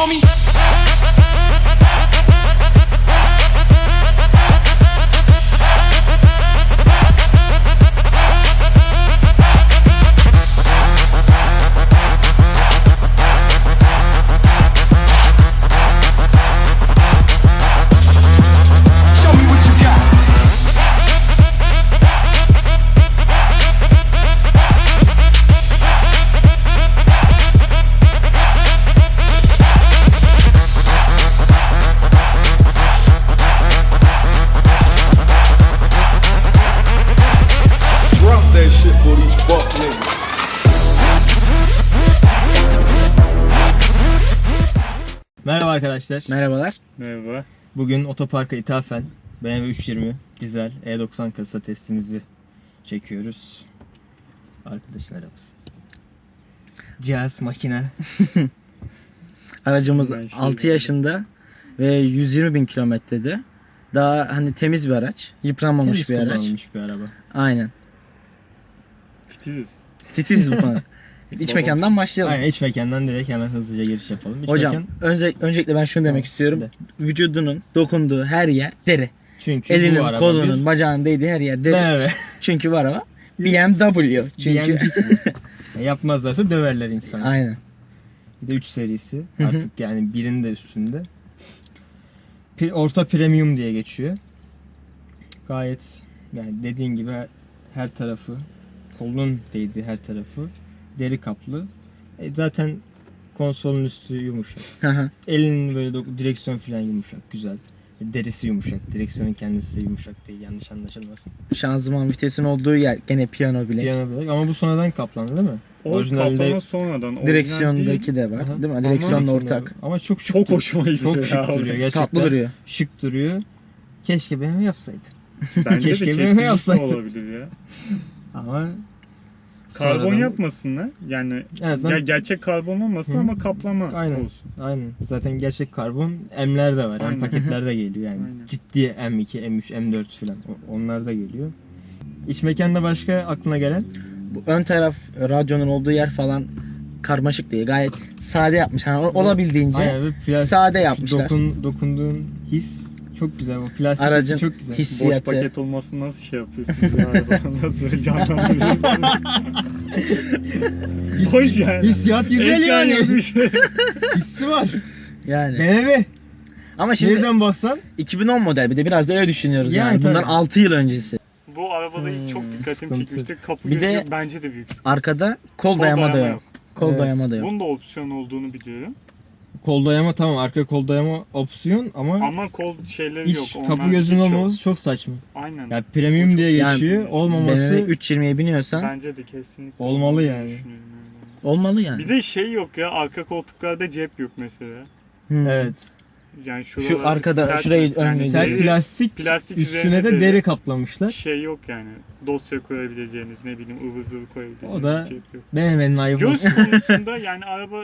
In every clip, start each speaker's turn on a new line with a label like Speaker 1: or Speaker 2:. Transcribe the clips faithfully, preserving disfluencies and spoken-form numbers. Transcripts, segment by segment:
Speaker 1: homie.
Speaker 2: Merhaba arkadaşlar.
Speaker 3: Merhabalar.
Speaker 4: Merhaba.
Speaker 2: Bugün otoparka ithafen B M W üç yüz yirmi dizel E doksan kasa testimizi çekiyoruz. Arkadaşlarımız. Cihaz, makine.
Speaker 3: Aracımız
Speaker 4: Ben şey
Speaker 3: altı yaşında ve yüz yirmi bin kilometrede. Daha hani temiz bir araç, yıpranmamış
Speaker 2: Temiz
Speaker 3: bir araç.
Speaker 2: kullanılmış bir araba.
Speaker 3: Aynen.
Speaker 4: Titiziz.
Speaker 3: Titiz bu konu. İç
Speaker 4: Baba.
Speaker 3: mekandan başlayalım.
Speaker 2: Aynen, iç mekandan direkt hemen hızlıca giriş yapalım. İç
Speaker 3: Hocam
Speaker 2: mekan,
Speaker 3: önce, öncelikle ben şunu demek
Speaker 2: Tamam,
Speaker 3: istiyorum.
Speaker 2: de.
Speaker 3: Vücudunun dokunduğu her yer deri.
Speaker 2: çünkü bu
Speaker 3: Elinin,
Speaker 2: araba
Speaker 3: kolunun,
Speaker 2: bir
Speaker 3: bacağının değdiği her yer deri.
Speaker 2: B M W.
Speaker 3: Çünkü bu araba B M W. Çünkü
Speaker 2: Yapmazlarsa döverler insanı.
Speaker 3: aynen.
Speaker 2: Bir de üç serisi.
Speaker 3: Hı hı.
Speaker 2: Artık yani birinin de üstünde. Pri- Orta premium diye geçiyor. Gayet yani dediğin gibi her tarafı, kolunun değdiği her tarafı deri kaplı. E zaten konsolun üstü yumuşak.
Speaker 3: Hı hı.
Speaker 2: Elinin böyle doku- direksiyon falan yumuşak, güzel. Derisi yumuşak, direksiyonun kendisi yumuşak değil, yanlış anlaşılmasın.
Speaker 3: Şanzıman vitesin olduğu yer gene piyano bile.
Speaker 2: Piyano bilek ama bu sonradan kaplandı değil mi?
Speaker 4: O
Speaker 2: Orijinalde-
Speaker 4: kaplama sonradan. orijinal
Speaker 3: Direksiyondaki
Speaker 4: değil.
Speaker 3: de var.
Speaker 2: Aha.
Speaker 3: Değil mi?
Speaker 2: Ama
Speaker 3: Direksiyonla
Speaker 2: direksiyonda-
Speaker 3: ortak.
Speaker 2: Ama çok şık
Speaker 4: Çok
Speaker 2: dur-
Speaker 4: hoşuma gidiyor.
Speaker 2: Çok şık
Speaker 4: ya.
Speaker 2: duruyor gerçekten.
Speaker 3: Tatlı duruyor.
Speaker 2: Şık duruyor. Keşke B M W yapsaydı.
Speaker 4: Bence
Speaker 2: Keşke
Speaker 4: de
Speaker 2: B M W
Speaker 4: kesinlikle
Speaker 2: yapsaydı.
Speaker 4: olabilir ya.
Speaker 2: Ama
Speaker 4: Karbon
Speaker 2: sonradan-
Speaker 4: yapmasınlar. Yani
Speaker 2: Evet, zaten-
Speaker 4: ya gerçek karbon olmasın
Speaker 2: Hı.
Speaker 4: ama kaplama
Speaker 2: Aynen.
Speaker 4: olsun.
Speaker 2: Aynen. Zaten gerçek karbon M'ler de var.
Speaker 4: Aynen.
Speaker 2: M paketlerde geliyor yani.
Speaker 4: Aynen.
Speaker 2: Ciddi M iki, M üç, M dört falan. O- Onlar da geliyor. İç mekanda başka aklına gelen?
Speaker 3: Bu ön taraf radyonun olduğu yer falan karmaşık değil. Gayet sade yapmış. Hani o- olabildiğince
Speaker 2: Aynen, bir plastik,
Speaker 3: sade yapmışlar.
Speaker 2: Dokun, dokunduğun his çok güzel. O plastik
Speaker 3: Aracın
Speaker 2: hissi çok güzel.
Speaker 3: his-
Speaker 4: Boş
Speaker 3: Hissiyatı.
Speaker 4: paket olmasını nasıl şey yapıyorsunuz ya? Nasıl canlandırıyorsunuz? Hoş yani.
Speaker 2: Hissiyat güzel
Speaker 4: Ekran
Speaker 2: yani.
Speaker 4: yok bir şey.
Speaker 2: Hissi var.
Speaker 3: yani.
Speaker 2: B M W.
Speaker 3: Ama şimdi
Speaker 2: Nereden baksan.
Speaker 3: iki bin on model, bir de biraz da öyle düşünüyoruz yani.
Speaker 2: Yani
Speaker 3: Bundan
Speaker 2: tabii.
Speaker 3: altı yıl öncesi.
Speaker 4: Bu arabada
Speaker 2: Hmm,
Speaker 4: çok dikkatimi
Speaker 2: sıkıntı.
Speaker 4: çekmişti. Kapı
Speaker 3: Bir de-
Speaker 4: gözü bence de büyük sıkıntı.
Speaker 3: Arkada kol,
Speaker 4: Kol
Speaker 3: dayama da
Speaker 4: dayama
Speaker 3: yok.
Speaker 4: yok.
Speaker 3: Kol
Speaker 2: Evet.
Speaker 3: dayama da yok.
Speaker 4: Bunun da opsiyon olduğunu biliyorum.
Speaker 2: Kol dayama tamam, arka kol dayama opsiyon ama,
Speaker 4: Ama kol şeyleri yok.
Speaker 2: iç
Speaker 4: Onlar
Speaker 2: kapı gözünün
Speaker 4: hiç yok.
Speaker 2: olmaması çok saçma.
Speaker 4: Aynen.
Speaker 2: Yani premium diye
Speaker 3: Yani
Speaker 2: geçiyor.
Speaker 3: B M
Speaker 2: Olmaması
Speaker 3: W üç yüz yirmiye biniyorsan
Speaker 4: Bence de kesinlikle.
Speaker 2: Olmalı
Speaker 4: olduğunu
Speaker 2: yani.
Speaker 4: düşünüyorum
Speaker 3: olmalı
Speaker 4: yani.
Speaker 3: yani.
Speaker 4: Bir de şey yok ya, arka koltuklarda cep yok mesela.
Speaker 3: Hmm.
Speaker 2: evet.
Speaker 4: Yani
Speaker 3: Şu
Speaker 4: şuralar
Speaker 3: arkada,
Speaker 4: sert-
Speaker 3: şurayı
Speaker 4: yani
Speaker 3: önüne
Speaker 2: Sert
Speaker 4: deri-
Speaker 2: plastik,
Speaker 4: plastik
Speaker 2: üstüne
Speaker 4: üzerine
Speaker 2: de
Speaker 4: de-
Speaker 2: deri kaplamışlar.
Speaker 4: şey yok yani. Dosya koyabileceğiniz, ne bileyim ıvır zıvır koyabileceğiniz
Speaker 2: O da
Speaker 4: bir cep yok.
Speaker 2: B M W'nin ayıbı.
Speaker 4: Göz konusunda yani araba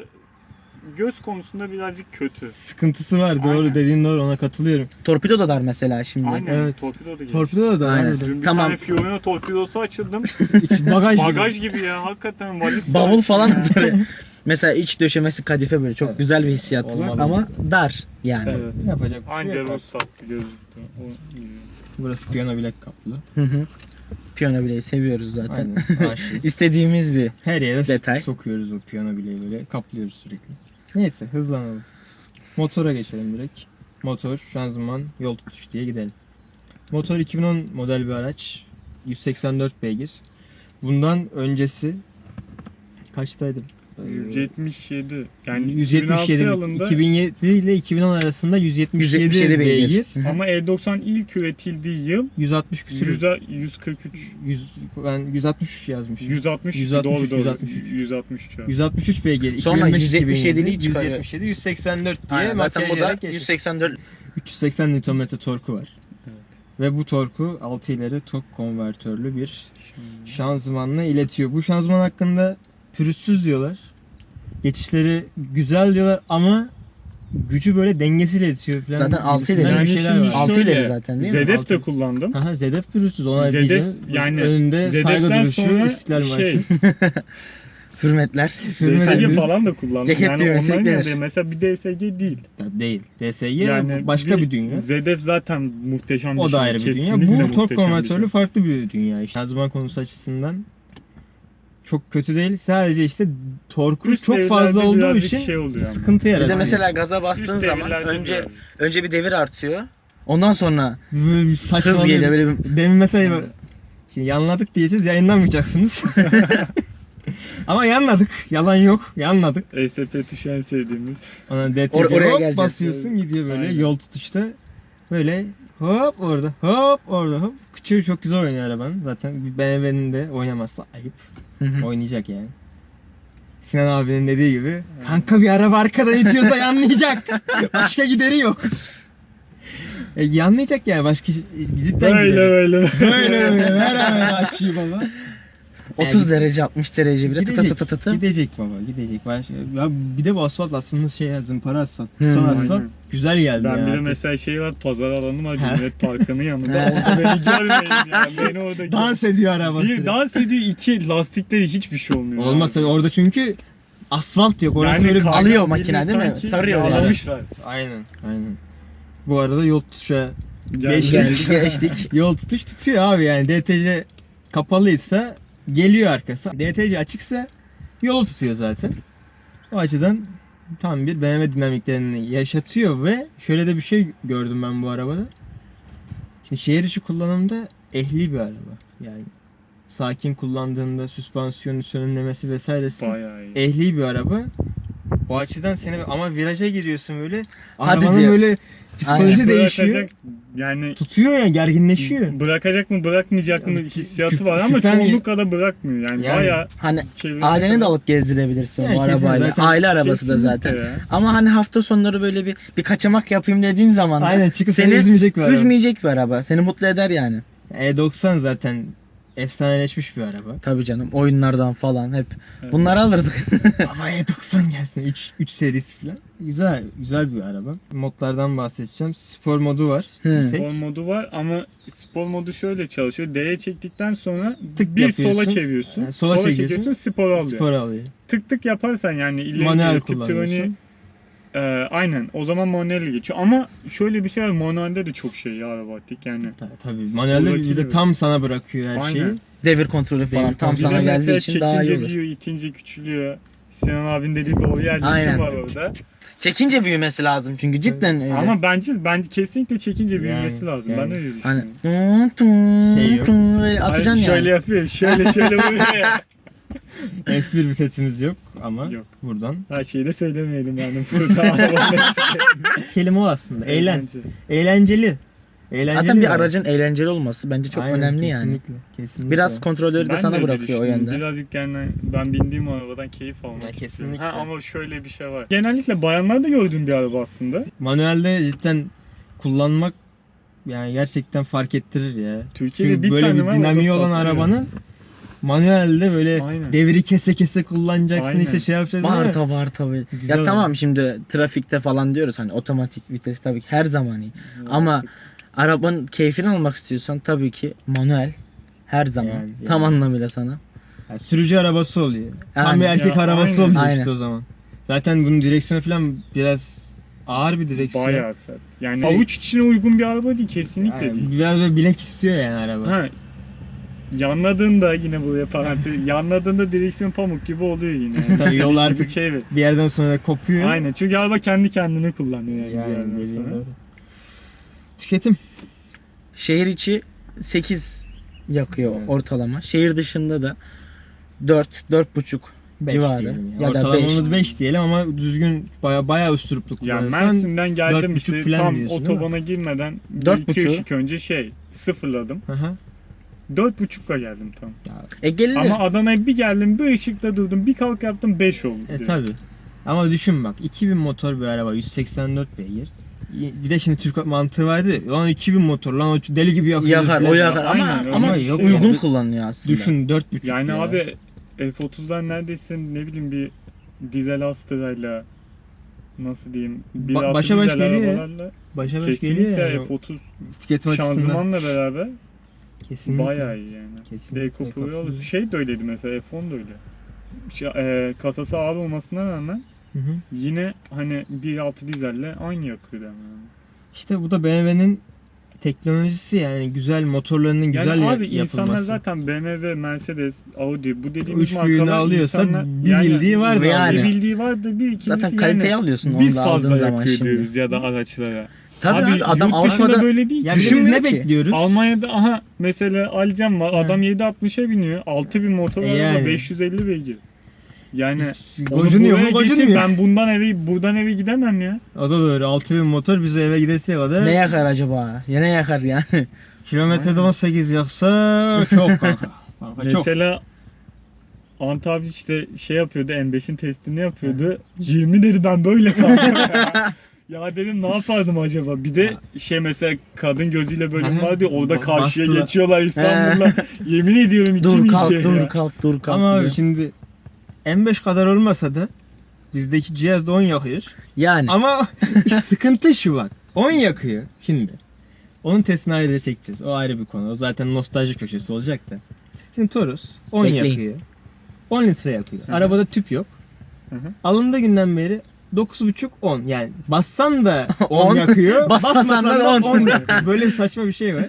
Speaker 4: göz konusunda birazcık kötü.
Speaker 2: Sıkıntısı var. Doğru,
Speaker 4: Aynen.
Speaker 2: dediğin doğru, ona katılıyorum.
Speaker 3: Torpido da dar mesela şimdi.
Speaker 4: Aynen.
Speaker 2: Evet.
Speaker 4: Torpido da geliyor.
Speaker 2: Torpido da
Speaker 3: Aynen.
Speaker 2: var.
Speaker 4: Dün bir
Speaker 3: Tamam.
Speaker 4: tane Fiorino torpidosu açıldım.
Speaker 2: İç bagaj,
Speaker 4: Bagaj
Speaker 2: gibi.
Speaker 4: gibi ya, hakikaten valiz
Speaker 3: Bavul
Speaker 4: sahibi
Speaker 3: falan
Speaker 4: ya.
Speaker 3: atar. Mesela iç döşemesi kadife böyle çok
Speaker 2: Evet.
Speaker 3: güzel bir hissiyatı var
Speaker 2: Olmalı.
Speaker 3: ama dar yani.
Speaker 4: Evet.
Speaker 2: Yapacak bir şey
Speaker 4: Anca
Speaker 2: yok.
Speaker 4: ruhsat gözüktü. O iyi.
Speaker 2: Burası piyano bilek kaplı.
Speaker 3: Hı hı. Piyano bileği seviyoruz zaten.
Speaker 2: Aynen. Aşığız.
Speaker 3: İstediğimiz bir
Speaker 2: Her yere
Speaker 3: detay.
Speaker 2: sokuyoruz o piyano bileği, böyle kaplıyoruz sürekli. Neyse, hızlanalım. Motora geçelim direkt. Motor, şanzıman, yol tutuş diye gidelim. Motor iki bin on model bir araç. yüz seksen dört beygir. Bundan öncesi kaçtaydı? Ee,
Speaker 4: yüz yetmiş yedi. Yani
Speaker 2: yüz yetmiş yedi.
Speaker 4: iki bin altı yılında
Speaker 2: iki bin yedi ile iki bin on arasında yüz yetmiş yedi,
Speaker 3: yüz yetmiş yedi beygir.
Speaker 2: beygir.
Speaker 3: Hı hı.
Speaker 4: ama E doksan ilk üretildiği yıl
Speaker 2: yüz altmış küsür.
Speaker 4: yüz, yüz kırk üç.
Speaker 2: yüz, ben yüz altmış üç yazmışım.
Speaker 4: yüz altmış,
Speaker 2: yüz altmış üç,
Speaker 4: doğru, doğru.
Speaker 2: yüz altmış üç.
Speaker 4: yüz altmış üç.
Speaker 2: yüz altmış üç beygir.
Speaker 3: Sonra
Speaker 2: iki bin beş,
Speaker 3: yüz yetmiş yedi'liği
Speaker 2: iki bin yedi,
Speaker 3: çıkarıyor.
Speaker 2: yüz yetmiş yedi, yüz seksen dört diye
Speaker 3: Aynen, zaten bu da
Speaker 2: makyajlayarak geçmiş.
Speaker 3: yüz seksen dört.
Speaker 2: üç yüz seksen Nm torku var.
Speaker 4: Evet.
Speaker 2: Ve bu torku altı ileri tok konvertörlü bir şanzımanla iletiyor. Bu şanzıman hakkında pürüzsüz diyorlar. Geçişleri güzel diyorlar ama gücü böyle dengesiyle iletiyor falan.
Speaker 3: Zaten altı
Speaker 2: gibisinden
Speaker 3: ileri.
Speaker 2: bir
Speaker 4: Yani
Speaker 2: şeyler
Speaker 4: şimdi
Speaker 2: var.
Speaker 3: Altı
Speaker 4: şöyle,
Speaker 3: ileri zaten değil mi?
Speaker 4: Zedef
Speaker 2: Altı.
Speaker 4: de kullandım.
Speaker 2: Aha, Zedef pürüzsüz, ona
Speaker 4: Zedef,
Speaker 2: diyeceğim.
Speaker 4: yani
Speaker 2: önünde saygı
Speaker 4: Zedef'ten
Speaker 2: duruşu,
Speaker 4: sonra
Speaker 2: İstiklal Marşı.
Speaker 4: şey,
Speaker 3: Hürmetler.
Speaker 4: D S G
Speaker 2: Hürmetler.
Speaker 4: falan da kullandım.
Speaker 3: Ceket
Speaker 4: yani
Speaker 3: düğmesi
Speaker 4: onların
Speaker 3: eklenir.
Speaker 4: yanında mesela bir D S G değil.
Speaker 2: Değil. D S G
Speaker 4: Yani
Speaker 2: başka bir, dünya.
Speaker 4: Z F zaten muhteşem bir
Speaker 2: O
Speaker 4: şey.
Speaker 2: da ayrı bir dünya.
Speaker 4: Kesinlikle
Speaker 2: Bu tork
Speaker 4: muhteşem bir
Speaker 2: konvertörlü
Speaker 4: şey.
Speaker 2: farklı bir dünya. İşte şanzıman konusu açısından çok kötü değil. Sadece işte torku
Speaker 4: Üst
Speaker 2: çok fazla
Speaker 4: devirlerde
Speaker 2: olduğu
Speaker 4: birazcık
Speaker 2: için
Speaker 4: şey oluyor ama.
Speaker 2: sıkıntı
Speaker 3: Bir
Speaker 2: yaratıyor.
Speaker 3: de mesela gaza
Speaker 4: Üst
Speaker 3: bastığın zaman
Speaker 4: devirlerde
Speaker 3: önce
Speaker 4: birazcık.
Speaker 3: önce bir devir artıyor. Ondan sonra
Speaker 2: Böyle bir
Speaker 3: hız
Speaker 2: saçmalıyor.
Speaker 3: geliyor böyle bir...
Speaker 2: Demin mesela şimdi yanladık diyeceğiz, yayınlamayacaksınız. Ama yanladık. Yalan yok. Yanladık.
Speaker 4: E S P tuşu en sevdiğimiz.
Speaker 2: Ona D T
Speaker 3: Or-
Speaker 2: C
Speaker 3: oraya
Speaker 2: hop
Speaker 3: geleceğiz.
Speaker 2: basıyorsun gidiyor böyle
Speaker 4: Aynen.
Speaker 2: yol tutuşta. Böyle hop orada hop orada hop. Küçüğü çok güzel oynuyor arabanın. Zaten B M W'nin de oynamazsa ayıp.
Speaker 3: Hı hı.
Speaker 2: Oynayacak yani. Sinan abinin dediği gibi kanka bir araba arkadan itiyorsa yanlayacak. Başka gideri yok. E, yanlayacak yani başka cidden
Speaker 4: Böyle
Speaker 2: gideri.
Speaker 4: böyle.
Speaker 2: Böyle böyle beraber açıyor baba.
Speaker 3: otuz derece altmış derece bile tı tı
Speaker 2: Gidecek,
Speaker 3: tı tı tı.
Speaker 2: gidecek baba gidecek. Başka, ya bir de bu asfalt aslında şey ya, zımpara asfalt.
Speaker 3: Hmm.
Speaker 2: Tutan asfalt
Speaker 4: Aynen.
Speaker 2: güzel geldi
Speaker 4: Ben
Speaker 2: ya.
Speaker 4: bir de mesela şey var, pazar alanı var,
Speaker 2: Ha.
Speaker 4: Cumhuriyet Parkı'nın yanında.
Speaker 3: Ha.
Speaker 4: Orada beni görmeyin ya. Beni orada gör-
Speaker 2: Dans ediyor araba.
Speaker 4: Bir
Speaker 2: sürekli.
Speaker 4: dans ediyor, iki lastikleri hiçbir şey olmuyor.
Speaker 2: Olmazsa
Speaker 4: abi.
Speaker 2: orada çünkü asfalt yok. Orası böyle bir...
Speaker 4: kaygan
Speaker 3: alıyor
Speaker 4: bildiğin
Speaker 3: makine değil mi?
Speaker 4: sanki
Speaker 3: Sarıyor yani.
Speaker 4: yağlamışlar.
Speaker 2: Aynen aynen. Bu arada yol tutuşa
Speaker 4: Yani
Speaker 2: Geçtik.
Speaker 3: Geldik geçtik.
Speaker 2: yol tutuş tutuyor abi yani. D T C kapalıysa geliyor arkası. D T C açıksa yolu tutuyor zaten. O açıdan tam bir B M W dinamiklerini yaşatıyor ve şöyle de bir şey gördüm ben bu arabada. Şimdi şehir içi kullanımda ehli bir araba. Yani sakin kullandığında süspansiyonu sönümlemesi vesairesi
Speaker 4: Bayağı iyi.
Speaker 2: ehli bir araba. O açıdan seni ama viraja giriyorsun böyle.
Speaker 3: Hadi
Speaker 2: Arabanın
Speaker 3: diyor.
Speaker 2: böyle psikoloji
Speaker 3: Aynen.
Speaker 2: değişiyor.
Speaker 4: Bırakacak, yani
Speaker 2: Tutuyor ya, gerginleşiyor.
Speaker 4: bırakacak mı bırakmayacak mı
Speaker 2: Yani
Speaker 4: hissiyatı
Speaker 2: şüp-
Speaker 4: var ama
Speaker 2: şüphen-
Speaker 4: çoğunlukla da bırakmıyor. Yani,
Speaker 2: Yani-
Speaker 4: bayağı
Speaker 3: Hani
Speaker 4: çevirene
Speaker 3: aileni de
Speaker 4: kadar-
Speaker 3: alıp gezdirebilirsin
Speaker 2: Yani
Speaker 3: o
Speaker 2: kesin
Speaker 3: arabayla.
Speaker 2: zaten-
Speaker 3: Aile arabası da
Speaker 4: Kesinlikle
Speaker 3: zaten.
Speaker 4: ya.
Speaker 3: Ama hani hafta sonları böyle bir bir kaçamak yapayım dediğin zaman da
Speaker 2: Aynen, çıkıp seni
Speaker 3: seni
Speaker 2: üzmeyecek bir araba.
Speaker 3: üzmeyecek bir araba. Seni mutlu eder yani.
Speaker 2: E doksan zaten efsaneleşmiş bir araba.
Speaker 3: Tabii canım, oyunlardan falan hep
Speaker 4: Evet.
Speaker 3: bunları alırdık.
Speaker 2: Ama E doksan gelsin, üç, üç serisi falan. Güzel güzel bir araba. Modlardan bahsedeceğim. Spor modu var.
Speaker 3: Hı.
Speaker 2: Tek.
Speaker 4: Spor modu var ama spor modu şöyle çalışıyor. D'ye çektikten sonra
Speaker 2: Tık
Speaker 4: bir
Speaker 2: yapıyorsun.
Speaker 4: sola çeviriyorsun.
Speaker 2: Yani sola çekiyorsun.
Speaker 4: çekiyorsun, spor alıyor.
Speaker 2: Spor alıyor.
Speaker 4: Tık tık yaparsan yani ileri
Speaker 2: Manuel
Speaker 4: geri tip
Speaker 2: kullanıyorsun.
Speaker 4: troni, e, aynen o zaman manuel geçiyor. Ama şöyle bir şey var, manuelde de çok şey ya arabatik yani.
Speaker 2: Ta- Tabii manuelde bir, bir de
Speaker 4: gibi.
Speaker 2: tam sana bırakıyor her
Speaker 4: Aynen.
Speaker 2: şeyi.
Speaker 3: Devir kontrolü falan
Speaker 2: Devir
Speaker 3: tam
Speaker 2: kontrolü.
Speaker 4: Bir
Speaker 3: sana
Speaker 4: de
Speaker 3: geldiği
Speaker 4: mesela
Speaker 3: için daha iyi
Speaker 4: çekince
Speaker 3: olur.
Speaker 4: büyüyor, itince küçülüyor. Sinan abinin dediği doğru yerleşim
Speaker 3: Aynen.
Speaker 4: var orada.
Speaker 3: Çekince büyümesi lazım çünkü cidden öyle.
Speaker 4: Ama bence bence kesinlikle çekince
Speaker 2: Yani,
Speaker 4: büyümesi lazım.
Speaker 2: yani.
Speaker 4: Ben öyle düşünüyorum.
Speaker 3: hani tun tun
Speaker 2: Şey yok.
Speaker 3: tun böyle atacaksın
Speaker 4: Hani şöyle
Speaker 3: yani.
Speaker 4: yapıyor, şöyle şöyle vuruyor ya.
Speaker 2: F bir vitesimiz yok ama
Speaker 4: Yok.
Speaker 2: buradan.
Speaker 4: Her şeyi de söylemeyelim yani. Burada arabanın
Speaker 2: Kelime o aslında. Eğlen.
Speaker 4: Eğlence.
Speaker 2: Eğlenceli. Eğlenceli
Speaker 3: Zaten bir
Speaker 2: araba.
Speaker 3: aracın eğlenceli olması bence çok
Speaker 2: Aynen,
Speaker 3: önemli yani.
Speaker 2: kesinlikle, Kesinlikle.
Speaker 3: Biraz kontrolörü de
Speaker 4: Ben
Speaker 3: sana
Speaker 4: öyle
Speaker 3: bırakıyor o
Speaker 4: düşünüyorum.
Speaker 3: yönde.
Speaker 4: Birazcık yani ben bindiğim arabadan keyif almak
Speaker 2: Ya
Speaker 4: istiyorum.
Speaker 2: kesinlikle.
Speaker 4: Ha, ama şöyle bir şey var. Genellikle bayanlarda gördüğüm bir araba aslında.
Speaker 2: Manuelde cidden kullanmak yani gerçekten fark ettirir ya.
Speaker 4: Türkiye'de
Speaker 2: Çünkü
Speaker 4: bir
Speaker 2: böyle
Speaker 4: tane
Speaker 2: bir
Speaker 4: var,
Speaker 2: dinamiği
Speaker 4: o da
Speaker 2: olan
Speaker 4: satıyor.
Speaker 2: arabanın manuelde böyle
Speaker 4: Aynen.
Speaker 2: devri kese kese kullanacaksın,
Speaker 4: Aynen.
Speaker 2: işte şey yapacaksın. ama
Speaker 3: Bağırta bağırta böyle.
Speaker 2: Güzel
Speaker 3: Ya tamam
Speaker 2: oldu.
Speaker 3: şimdi trafikte falan diyoruz hani otomatik vites tabii ki her zaman iyi. Ama arabanın keyfini almak istiyorsan tabii ki manuel her zaman
Speaker 2: Yani,
Speaker 3: tam
Speaker 2: yani.
Speaker 3: anlamıyla sana.
Speaker 2: Yani sürücü arabası oluyor. Tam
Speaker 3: Aynen.
Speaker 2: bir erkek
Speaker 4: Ya,
Speaker 2: arabası
Speaker 4: aynen.
Speaker 2: oluyor
Speaker 3: Aynen.
Speaker 2: işte o zaman. Zaten bunun direksiyonu falan biraz ağır bir direksiyon.
Speaker 4: Bayağı sert. Yani
Speaker 2: Şey-
Speaker 4: avuç içine uygun bir araba değil, kesinlikle
Speaker 2: Yani
Speaker 4: değil.
Speaker 2: biraz böyle bilek istiyor yani araba.
Speaker 4: Ha, yanladığında yine buraya parantez, yanladığında direksiyon pamuk gibi oluyor yine.
Speaker 2: Tabii yol artık
Speaker 4: şey
Speaker 2: bir yerden sonra kopuyor.
Speaker 4: Aynen, çünkü araba kendi kendini kullanıyor yani, bir
Speaker 2: Yani
Speaker 4: yerden
Speaker 2: dediğin
Speaker 4: sonra.
Speaker 2: doğru. Tüketim.
Speaker 3: Şehir içi sekiz yakıyor
Speaker 2: Evet.
Speaker 3: ortalama. Şehir dışında da dört dört buçuk
Speaker 2: beş
Speaker 3: civarı
Speaker 2: diyelim ya.
Speaker 3: ya da
Speaker 2: Ortalamamız
Speaker 3: beş.
Speaker 2: beş diyelim ama düzgün baya baya üstürüplü
Speaker 4: Ya
Speaker 2: kullanırsan
Speaker 4: Mersin'den geldim
Speaker 2: dört buçuk
Speaker 4: işte
Speaker 2: falan
Speaker 4: tam
Speaker 2: diyorsun, değil mi?
Speaker 4: otobana girmeden
Speaker 3: Dört
Speaker 4: bir iki
Speaker 3: buçuğu.
Speaker 4: ışık önce şey sıfırladım.
Speaker 2: Aha.
Speaker 4: Dört buçukla geldim tam.
Speaker 2: Ya,
Speaker 3: E gelinir.
Speaker 4: Ama Adana'ya bir geldim, bir ışıkta durdum, bir kalk yaptım, beş oldu.
Speaker 2: e
Speaker 4: direkt.
Speaker 2: tabi. Ama düşün bak, iki bin motor bir araba, yüz seksen dört beygir. Bir de şimdi Türk mantığı vardı. Lan iki bin motor, lan o deli gibi yakıyor.
Speaker 3: yakar o
Speaker 2: falan.
Speaker 3: yakar ama
Speaker 4: Aynen, öyle
Speaker 3: ama
Speaker 4: bir şey
Speaker 3: uygun
Speaker 2: yani.
Speaker 3: kullanıyor aslında.
Speaker 2: Düşün dört buçuk
Speaker 4: Yani
Speaker 2: ya.
Speaker 4: abi F otuzdan neredeyse ne bileyim bir dizel Astra'yla nasıl diyeyim bir
Speaker 2: Ba-
Speaker 4: artı
Speaker 2: başa baş
Speaker 4: dizel
Speaker 2: geliyor ya.
Speaker 4: arabalarla
Speaker 2: Başa baş geliyor
Speaker 4: kesinlikle
Speaker 2: yani.
Speaker 4: F otuz
Speaker 2: Tüketim açısından.
Speaker 4: şanzımanla beraber
Speaker 2: Kesinlikle.
Speaker 4: bayağı iyi yani.
Speaker 2: Kesinlikle
Speaker 4: D-Coupe
Speaker 2: katılıyorum.
Speaker 4: olur. Şey de öyleydi mesela, F on da öyle. şey, e, kasası ağır olmasına rağmen
Speaker 2: Hı hı.
Speaker 4: yine hani bir nokta altı dizelle aynı yakıyor yani.
Speaker 2: İşte bu da B M W'nin teknolojisi, yani güzel motorlarının
Speaker 4: Yani
Speaker 2: güzel ya-
Speaker 4: abi insanlar
Speaker 2: yapılması.
Speaker 4: zaten B M W, Mercedes, Audi bu
Speaker 2: Bu
Speaker 4: dediğimiz
Speaker 2: üç büyüğünü
Speaker 4: markalar
Speaker 2: alıyorsa
Speaker 4: insanlar
Speaker 2: bir
Speaker 4: yani-
Speaker 2: bildiği vardı
Speaker 3: yani.
Speaker 4: Bir bildiği vardı, bir ikincisi
Speaker 3: Zaten kaliteyi
Speaker 4: yani
Speaker 3: alıyorsun onu
Speaker 4: biz
Speaker 3: da aldığın
Speaker 4: fazla
Speaker 3: zaman
Speaker 4: yakıyor
Speaker 3: şimdi.
Speaker 4: diyoruz ya da araçlara.
Speaker 3: Tabii abi, adam
Speaker 4: yurt dışında
Speaker 3: Avrupa'da
Speaker 4: böyle değil ki.
Speaker 2: Yani biz
Speaker 3: Düşünmüyor
Speaker 2: ne
Speaker 3: ki.
Speaker 2: bekliyoruz?
Speaker 4: Almanya'da aha mesela alacağım var.
Speaker 2: He.
Speaker 4: Adam yedi altmışa biniyor. altı bin motor
Speaker 2: E
Speaker 4: araba
Speaker 2: yani.
Speaker 4: beş yüz elli beygir. Yani onu
Speaker 2: Gocunuyor mu?
Speaker 4: buraya getir,
Speaker 2: Gocunmuyor.
Speaker 4: ben bundan eve buradan eve gidemem ya.
Speaker 2: O da doğru. altı bin motor bize eve gidesiye kadar.
Speaker 3: ne yakar acaba? Ya ne yakar yani?
Speaker 2: Kilometrede on sekiz yaksa çok kanka. Kanka çok.
Speaker 4: Mesela Ant abi işte şey yapıyordu, M beşin testini yapıyordu. yirmi dedi, ben böyle kaldım. Ya dedim ne yapardım acaba? Bir de şey mesela kadın gözüyle bölüm
Speaker 2: Aha.
Speaker 4: vardı ya, orada
Speaker 2: Ba-
Speaker 4: karşıya
Speaker 2: bastılar.
Speaker 4: geçiyorlar İstanbul'da. Yemin ediyorum içim
Speaker 3: dur kalk
Speaker 4: yiyecek
Speaker 3: dur
Speaker 4: ya.
Speaker 3: kalk dur kalk.
Speaker 2: Ama abi
Speaker 3: diyor.
Speaker 2: şimdi M beş kadar olmasa da bizdeki cihaz da on yakıyor.
Speaker 3: Yani
Speaker 2: Ama sıkıntı şu bak. on yakıyor şimdi. Onun testini ayrıca çekeceğiz. O ayrı bir konu. O zaten nostalji köşesi olacak da. Şimdi Taurus on
Speaker 3: Bekleyin.
Speaker 2: yakıyor. on litre yakıyor.
Speaker 4: Hı hı.
Speaker 2: Arabada tüp yok.
Speaker 4: Hı hı.
Speaker 2: Alındığı günden beri dokuz buçuk on. Yani bassan da on
Speaker 3: on,
Speaker 2: yakıyor.
Speaker 3: basmasan
Speaker 2: basmasan
Speaker 3: da
Speaker 2: da
Speaker 3: on.
Speaker 2: on yakıyor. Böyle saçma bir şey var.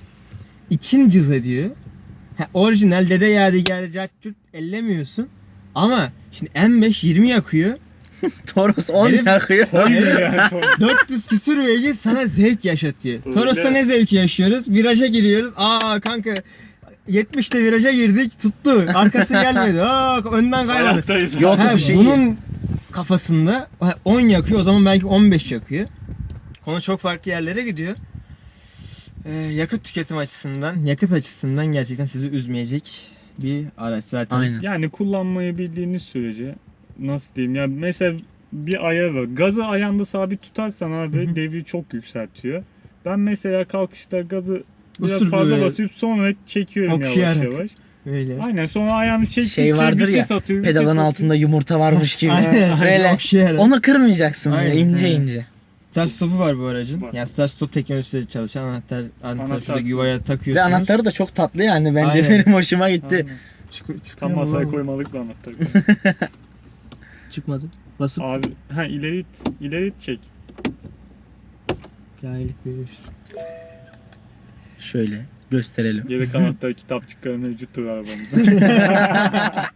Speaker 2: İçin cız ediyor. Ha, orijinal dede yadigarı cart ellemiyorsun. Ama şimdi M beş yirmi yakıyor.
Speaker 3: Toros on
Speaker 2: Herif-
Speaker 3: yakıyor.
Speaker 4: Koymuyor yani Taurus.
Speaker 2: dört yüz küsür beygir sana zevk yaşatıyor.
Speaker 4: Öyle.
Speaker 2: Toros'ta ne zevki yaşıyoruz? Viraja giriyoruz. Aa kanka yetmişte viraja girdik, tuttu. Arkası gelmedi. Aa önden kaymadı.
Speaker 4: Hayattayız.
Speaker 3: Yol
Speaker 2: Ha,
Speaker 3: tutuşu iyi.
Speaker 2: bunun kafasında on yakıyor, o zaman belki on beş yakıyor. Konu çok farklı yerlere gidiyor. Ee, yakıt tüketim açısından, yakıt açısından gerçekten sizi üzmeyecek bir araç zaten.
Speaker 3: Aynen.
Speaker 4: Yani kullanmayı bildiğiniz sürece nasıl diyeyim ya, mesela bir ayar var. Gazı ayağında sabit tutarsan abi
Speaker 2: Hı hı.
Speaker 4: devri çok yükseltiyor. Ben mesela kalkışta gazı biraz
Speaker 2: Usul
Speaker 4: fazla
Speaker 2: böyle
Speaker 4: basıp sonra çekiyorum
Speaker 2: okşayarak.
Speaker 4: yavaş yavaş.
Speaker 2: Öyle.
Speaker 4: Aynen, sonra ayağını çektikçe
Speaker 3: Şey vardır ya,
Speaker 4: vites atıyor, vites
Speaker 3: pedalın
Speaker 4: atıyor.
Speaker 3: altında yumurta varmış gibi.
Speaker 2: Aynen.
Speaker 3: Böyle
Speaker 2: Okşayarak.
Speaker 3: onu kırmayacaksın böyle
Speaker 2: Aynen.
Speaker 3: ince
Speaker 4: He.
Speaker 3: ince.
Speaker 2: Start stop'u var bu aracın.
Speaker 4: Var.
Speaker 2: Yani start stop teknolojisiyle çalışan anahtar, anahtar,
Speaker 4: Anahtar.
Speaker 2: şuradaki yuvaya takıyorsunuz.
Speaker 3: Ve anahtarı da çok tatlı yani bence
Speaker 2: Aynen.
Speaker 3: benim hoşuma gitti.
Speaker 4: Aynen.
Speaker 2: Çıkıyor, çıkıyor
Speaker 4: Tam
Speaker 2: mu
Speaker 4: masaya
Speaker 2: lan bu?
Speaker 4: koymalık bir anahtar.
Speaker 2: Çıkmadı. Basıp
Speaker 4: Abi ha ileri it, ileri it çek.
Speaker 2: cahillik verir.
Speaker 3: Şöyle gösterelim.
Speaker 4: Yedek anahtar kitapçıkları mevcuttur arabamızda.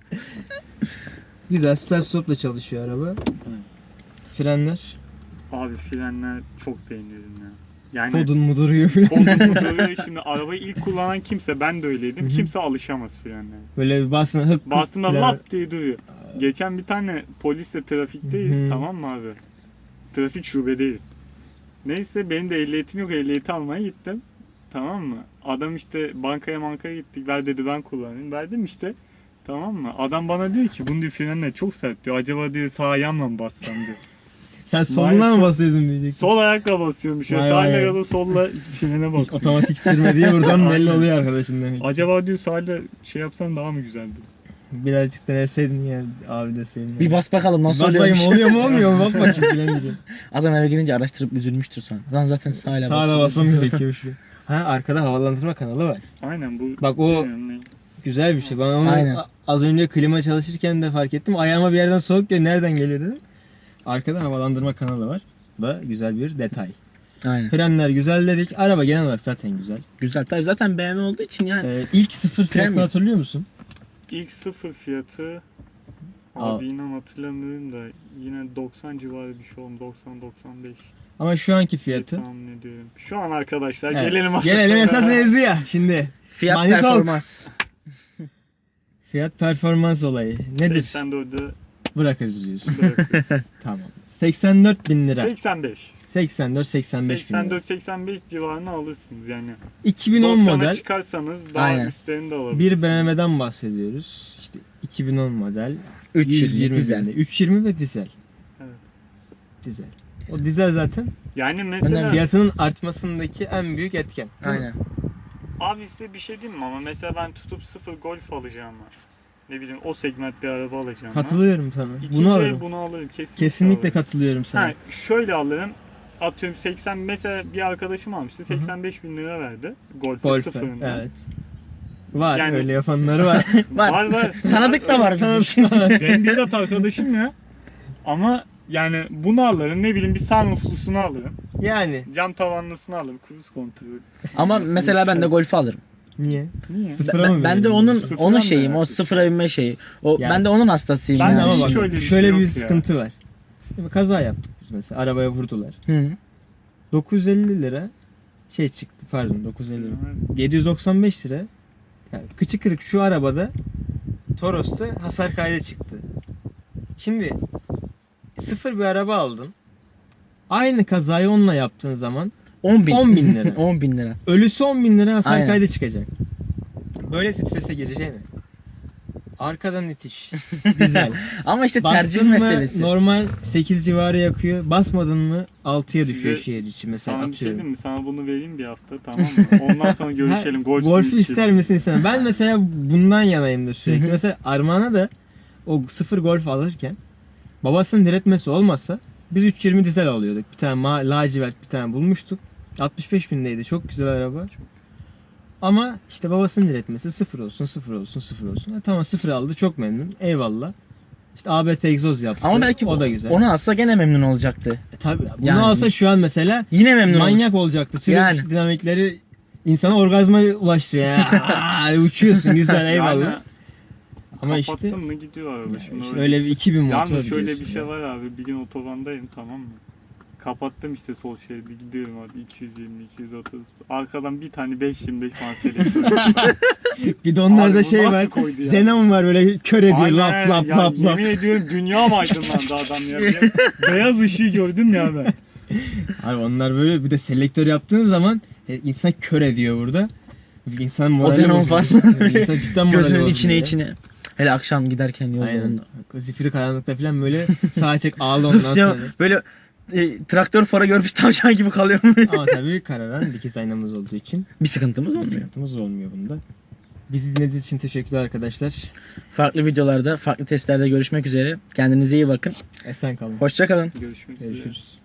Speaker 2: Güzel start stop'la çalışıyor araba. Frenler.
Speaker 4: Abi frenler çok beğeniyorum ya. Yani
Speaker 2: Kodun mu duruyor falan.
Speaker 4: kolum duruyor. Şimdi arabayı ilk kullanan kimse, ben de öyleydim.
Speaker 2: Hı hı.
Speaker 4: Kimse alışamaz frenlere.
Speaker 2: Böyle bir basın hık hık
Speaker 4: Bastığımda
Speaker 2: falan.
Speaker 4: lap diye duruyor. Geçen bir tane polisle trafikteyiz,
Speaker 2: Hı hı.
Speaker 4: tamam mı abi? Trafik şubedeyiz. Neyse benim de ehliyetim yok, ehliyeti almaya gittim. Tamam mı? Adam işte bankaya bankaya gittik, ver dedi ben kullanayım. Verdim işte. Tamam mı? Adam bana diyor ki bunun diyor frenler çok sert diyor. Acaba diyor sağ ayağımla mı bassam diyor.
Speaker 2: Sen soluna
Speaker 4: Maalesef-
Speaker 2: mı basıyordun diyeceksin.
Speaker 4: Sol ayakla basıyormuş ya.
Speaker 2: Vay
Speaker 4: Sağ
Speaker 2: vay.
Speaker 4: ayakla da solla frene basıyor.
Speaker 2: Otomatik sürme diye buradan belli
Speaker 4: Aynen.
Speaker 2: oluyor arkadaşın demek.
Speaker 4: Acaba diyor sağla şey yapsam daha mı güzeldi?
Speaker 2: Birazcık deneseydin ya abi deseydin.
Speaker 3: Bir bas bakalım nasıl
Speaker 2: Bas bakayım
Speaker 3: oluyormuş.
Speaker 2: oluyor mu olmuyor mu bak bakayım bilemeyeceğim.
Speaker 3: Adam eve gidince araştırıp üzülmüştür sonra. Lan zaten sağla
Speaker 2: Sağda
Speaker 3: basıyor.
Speaker 2: basmam gerekiyor şu. Ha arkada havalandırma kanalı var.
Speaker 4: Aynen bu.
Speaker 2: Bak o
Speaker 4: bilmiyorum ne.
Speaker 2: güzel bir şey. Ben onu
Speaker 3: Aynen.
Speaker 2: a- az önce klima çalışırken de fark ettim. Ayağıma bir yerden soğuk geliyor. Nereden geliyor dedim. Arkada havalandırma kanalı var. Bu da güzel bir detay.
Speaker 3: Aynen.
Speaker 2: Frenler güzel dedik. Araba genel olarak zaten güzel.
Speaker 3: Güzel. Tabii zaten B M W olduğu için yani.
Speaker 2: Ee, ilk sıfır fiyatını
Speaker 3: Premium.
Speaker 2: hatırlıyor musun?
Speaker 4: İlk sıfır fiyatı
Speaker 2: Aa.
Speaker 4: abi inan hatırlamıyorum da yine doksan civarı bir şey oldu. doksan doksan beş
Speaker 2: Ama şu anki fiyatı.
Speaker 4: tahmin ediyorum. Şu an arkadaşlar
Speaker 2: Evet.
Speaker 4: gelelim
Speaker 2: Gelelim esas mevzuya. Şimdi
Speaker 3: Fiyat
Speaker 2: Money talk.
Speaker 3: performans.
Speaker 2: fiyat performans olayı nedir?
Speaker 4: seksen dörde
Speaker 2: Bırakırız diyorsun.
Speaker 4: bırakıyoruz.
Speaker 2: Tamam. seksen dört bin lira.
Speaker 4: seksen beş.
Speaker 2: seksen dört seksen beş bin
Speaker 4: seksen
Speaker 2: lira.
Speaker 4: dört seksen beş civarına alırsınız yani.
Speaker 2: iki bin on
Speaker 4: doksana
Speaker 2: model
Speaker 4: çıkarsanız daha
Speaker 3: Aynen.
Speaker 4: üstlerini de alabilirsiniz.
Speaker 2: bir B M W'den bahsediyoruz. İşte iki bin on model
Speaker 3: üç yüz
Speaker 2: yüz yirmi
Speaker 3: dizel.
Speaker 2: binde. üç yüz yirmi ve dizel.
Speaker 4: Evet.
Speaker 2: Dizel. O dizel zaten
Speaker 4: Yani mesela
Speaker 2: fiyatının artmasındaki en büyük etken. Değil mi?
Speaker 3: Aynen.
Speaker 4: abi size bir şey diyeyim mi ama mesela ben tutup sıfır Golf alacağım ne bileyim o segment bir araba alacağım.
Speaker 2: Katılıyorum sana.
Speaker 4: İki
Speaker 2: Bunu
Speaker 4: de
Speaker 2: alırım.
Speaker 4: Bunu alırım kesinlikle.
Speaker 2: Kesinlikle
Speaker 4: alırım.
Speaker 2: katılıyorum sana.
Speaker 4: Ha, şöyle alırım. Atıyorum seksen, mesela bir arkadaşım almıştı. seksen beş bin lira verdi. Golf
Speaker 2: Golf'e.
Speaker 4: sıfırından.
Speaker 2: Evet. Var
Speaker 4: Yani-
Speaker 2: öyle yapanları var.
Speaker 3: Var.
Speaker 4: Var var.
Speaker 3: Tanıdık da var bizim.
Speaker 4: Benim bizzat arkadaşım ya. Ama yani bunu alırım, ne bileyim bir sunrooflusunu alırım.
Speaker 2: Yani
Speaker 4: Cam tavanlısını alırım, cruise kontrolü.
Speaker 3: Ama mesela ben de Golf'ü alırım.
Speaker 2: niye?
Speaker 4: Niye?
Speaker 2: Sıfıra
Speaker 3: Ben,
Speaker 2: mı
Speaker 3: ben de
Speaker 2: verelim
Speaker 3: onun
Speaker 2: diyorsun?
Speaker 4: Sıfıra
Speaker 3: onun
Speaker 4: mı
Speaker 3: şeyim, o
Speaker 4: merak
Speaker 3: sıfıra binme şeyi. O
Speaker 2: Yani-
Speaker 3: ben de onun hastasıyım.
Speaker 2: Ben de
Speaker 3: yani.
Speaker 2: ama bak
Speaker 4: Hiç
Speaker 2: şöyle
Speaker 4: öyle
Speaker 2: bir,
Speaker 4: bir şey yok
Speaker 2: bir
Speaker 4: ya.
Speaker 2: sıkıntı var. Şimdi kaza yaptık biz mesela. Arabaya vurdular.
Speaker 3: Hı.
Speaker 2: dokuz yüz elli lira şey çıktı pardon dokuz yüz elli lira. yedi yüz doksan beş lira. Yani kıçı kırık şu arabada Toros'ta hasar kaydı çıktı. Şimdi sıfır bir araba aldın. Aynı kazayı onunla yaptığın zaman
Speaker 3: on bin.
Speaker 2: on bin lira.
Speaker 3: on bin lira.
Speaker 2: Ölüsü on bin lira hasar
Speaker 3: Aynen.
Speaker 2: kaydı çıkacak. Böyle strese gireceğine. Arkadan itiş. Dizel.
Speaker 3: Ama işte tercih
Speaker 2: Bastın mı
Speaker 3: meselesi.
Speaker 2: normal sekiz civarı yakıyor. Basmadın mı altıya düşüyor
Speaker 4: Size-
Speaker 2: şehir içi mesela
Speaker 4: Sana bir şey
Speaker 2: atıyorum.
Speaker 4: diyeyim mi? Sana bunu vereyim bir hafta, tamam mı? Ondan sonra görüşelim. Golf
Speaker 2: Golf'ü ister misin istemem. Ben mesela bundan yanayımdır sürekli.
Speaker 3: Hı hı.
Speaker 2: Mesela Armağan'a da o sıfır Golf alırken babasının diretmesi olmasa biz üç yüz yirmi dizel alıyorduk. Bir tane ma- lacivert bir tane bulmuştuk. altmış beş bindeydi. Çok güzel araba. Ama işte babasının diretmesi sıfır olsun, sıfır olsun, sıfır olsun. Ha, tamam sıfır aldı. Çok memnun. Eyvallah. İşte A B T egzoz yaptı.
Speaker 3: Ama belki
Speaker 2: o da güzel.
Speaker 3: onu alsa gene memnun olacaktı.
Speaker 2: E, tabii. Bunu
Speaker 3: Yani-
Speaker 2: alsa şu an mesela
Speaker 3: Yine memnun
Speaker 2: manyak olacaktı. Sürekli
Speaker 3: Yani.
Speaker 2: dinamikleri insana orgazma ulaştırıyor. Ya. Aa, uçuyorsun güzel eyvallah.
Speaker 4: Yani,
Speaker 2: Ama işte,
Speaker 4: kapattın mı gidiyor araba.
Speaker 2: işte
Speaker 4: Şimdi
Speaker 2: öyle bir iki bin motor
Speaker 4: Yalnız şöyle
Speaker 2: diyorsun
Speaker 4: bir şey
Speaker 2: ya.
Speaker 4: var abi. Bir gün otobandayım, tamam mı? Kapattım işte sol şeridi, gidiyorum abi iki yüz yirmi iki yüz otuz. Arkadan bir tane beş yirmi beş selektör.
Speaker 2: Bir de onlarda
Speaker 4: Abi bu
Speaker 2: şey
Speaker 4: nasıl
Speaker 2: var.
Speaker 4: koydu ya?
Speaker 2: Xenon var böyle kör ediyor
Speaker 4: Aynen,
Speaker 2: lap lap
Speaker 4: ya
Speaker 2: lap lap.
Speaker 4: Yemin ediyorum dünya mı aydınlandı adam ya? Bir beyaz ışığı gördüm ya ben.
Speaker 2: Abi onlar böyle bir de selektör yaptığın zaman e, insan kör ediyor burada. İnsan morali
Speaker 3: Xenon
Speaker 2: bozuluyor.
Speaker 3: falan.
Speaker 2: İnsan cidden morali
Speaker 3: Gözünün
Speaker 2: bozuluyor
Speaker 3: içine
Speaker 2: ya.
Speaker 3: içine. Hele akşam giderken yolda.
Speaker 2: Aynen. Zifiri karanlıkta falan böyle sağa çek ağla ondan
Speaker 3: Zıf diye
Speaker 2: sonra.
Speaker 3: böyle e, traktör fara görmüş tavşan gibi kalıyor.
Speaker 2: Ama tabii kararan dikiz aynamız olduğu için
Speaker 3: Bir sıkıntımız
Speaker 2: bir
Speaker 3: olmuyor.
Speaker 2: sıkıntımız olmuyor bunda. Bizi dinlediğiniz için teşekkürler arkadaşlar.
Speaker 3: Farklı videolarda, farklı testlerde görüşmek üzere. Kendinize iyi bakın.
Speaker 2: Esen kalın.
Speaker 3: Hoşça kalın.
Speaker 4: Görüşmek üzere.
Speaker 2: Görüşürüz.